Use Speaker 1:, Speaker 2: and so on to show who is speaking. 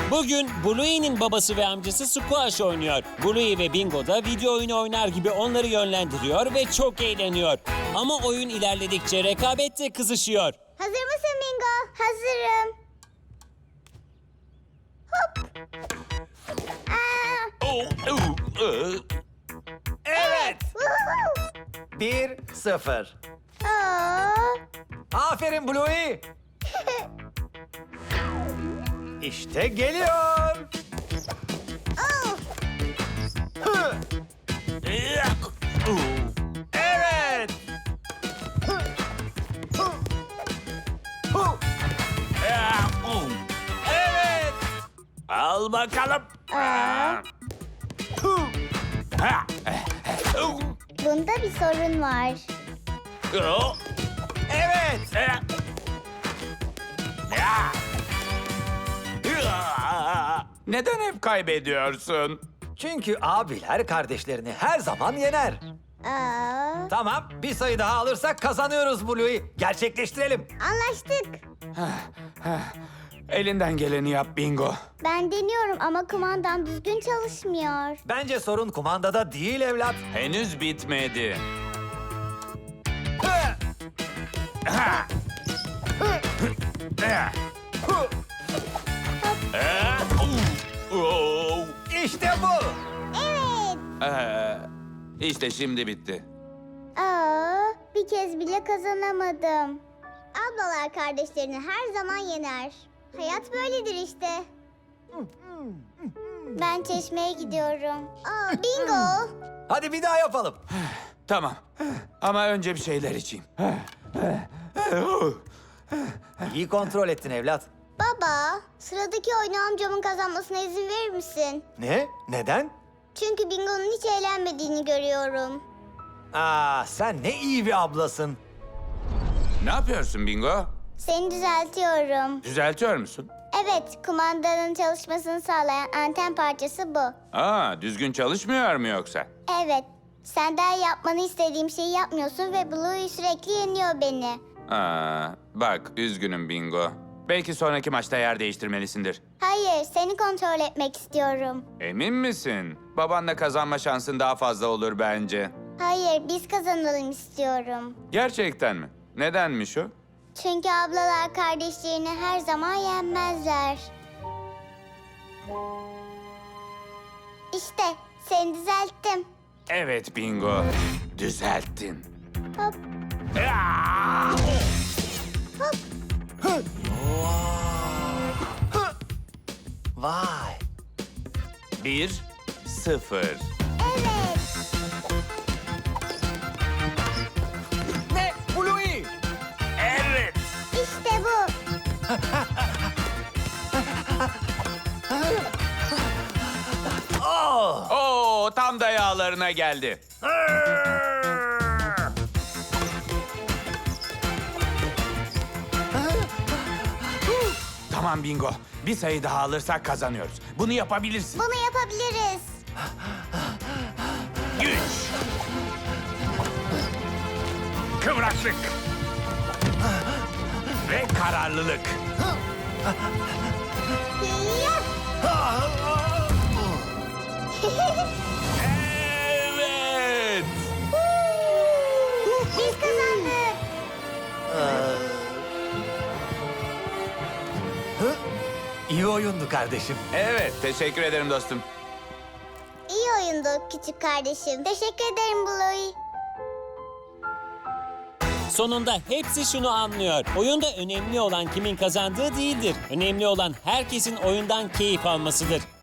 Speaker 1: Bugün Bluey'nin babası ve amcası squash oynuyor. Bluey ve Bingo da video oyunu oynar gibi onları yönlendiriyor ve çok eğleniyor. Ama oyun ilerledikçe rekabet de kızışıyor.
Speaker 2: Hazır mısın Bingo? Hazırım. Hop.
Speaker 3: Evet.
Speaker 2: Woohoo.
Speaker 3: 1-0.
Speaker 2: Aa.
Speaker 3: Aferin Bluey. İşte geliyor.
Speaker 2: Oh.
Speaker 3: Hı. Evet. Hı. Hı. Hı. Evet.
Speaker 4: Al bakalım.
Speaker 3: Hı.
Speaker 2: Bunda bir sorun var.
Speaker 3: Evet.
Speaker 4: Neden hep kaybediyorsun?
Speaker 3: Çünkü abiler kardeşlerini her zaman yener.
Speaker 2: Aa.
Speaker 3: Tamam, bir sayı daha alırsak kazanıyoruz Bluey. Gerçekleştirelim.
Speaker 2: Anlaştık.
Speaker 4: Elinden geleni yap Bingo.
Speaker 2: Ben deniyorum ama kumandam düzgün çalışmıyor.
Speaker 3: Bence sorun kumandada değil evlat.
Speaker 4: Henüz bitmedi.
Speaker 3: Hı. Hı. İşte bu.
Speaker 2: Evet.
Speaker 4: İşte şimdi bitti.
Speaker 2: Aa, bir kez bile kazanamadım. Ablalar kardeşlerini her zaman yener. Hayat böyledir işte. Ben çeşmeye gidiyorum. Aa, bingo.
Speaker 3: Hadi bir daha yapalım.
Speaker 4: Tamam. Ama önce bir şeyler içeyim.
Speaker 3: İyi kontrol ettin evlat.
Speaker 2: Baba, sıradaki oyunu amcamın kazanmasına izin verir misin?
Speaker 3: Ne? Neden?
Speaker 2: Çünkü Bingo'nun hiç eğlenmediğini görüyorum.
Speaker 3: Aa, sen ne iyi bir ablasın.
Speaker 4: Ne yapıyorsun Bingo?
Speaker 2: Seni düzeltiyorum.
Speaker 4: Düzeltiyor musun?
Speaker 2: Evet, kumandanın çalışmasını sağlayan anten parçası bu.
Speaker 4: Düzgün çalışmıyor mu yoksa?
Speaker 2: Evet, senden yapmanı istediğim şeyi yapmıyorsun ve Bluey sürekli yeniyor beni.
Speaker 4: Bak üzgünüm Bingo. Belki sonraki maçta yer değiştirmelisindir.
Speaker 2: Hayır, seni kontrol etmek istiyorum.
Speaker 4: Emin misin? Babanla kazanma şansın daha fazla olur bence.
Speaker 2: Hayır, biz kazanalım istiyorum.
Speaker 4: Gerçekten mi? Nedenmiş o?
Speaker 2: Çünkü ablalar kardeşlerini her zaman yenmezler. İşte, seni düzelttim.
Speaker 4: Evet Bingo. Düzelttin.
Speaker 2: Hop, hop.
Speaker 3: Vay.
Speaker 4: 1-0.
Speaker 2: Evet.
Speaker 3: Ne? Bluey.
Speaker 4: Evet.
Speaker 2: İşte bu.
Speaker 3: Oh.
Speaker 4: Oo, tam da yağlarına geldi. Tamam Bingo. Bir sayı daha alırsak kazanıyoruz. Bunu yapabilirsin.
Speaker 2: Bunu yapabiliriz.
Speaker 4: Güç. Kıvraklık. Ve kararlılık.
Speaker 2: Yap.
Speaker 4: Evet.
Speaker 2: Biz kazandık.
Speaker 3: İyi oyundu kardeşim.
Speaker 4: Evet, teşekkür ederim dostum.
Speaker 2: İyi oyundu küçük kardeşim. Teşekkür ederim Bluey.
Speaker 1: Sonunda hepsi şunu anlıyor. Oyunda önemli olan kimin kazandığı değildir. Önemli olan herkesin oyundan keyif almasıdır.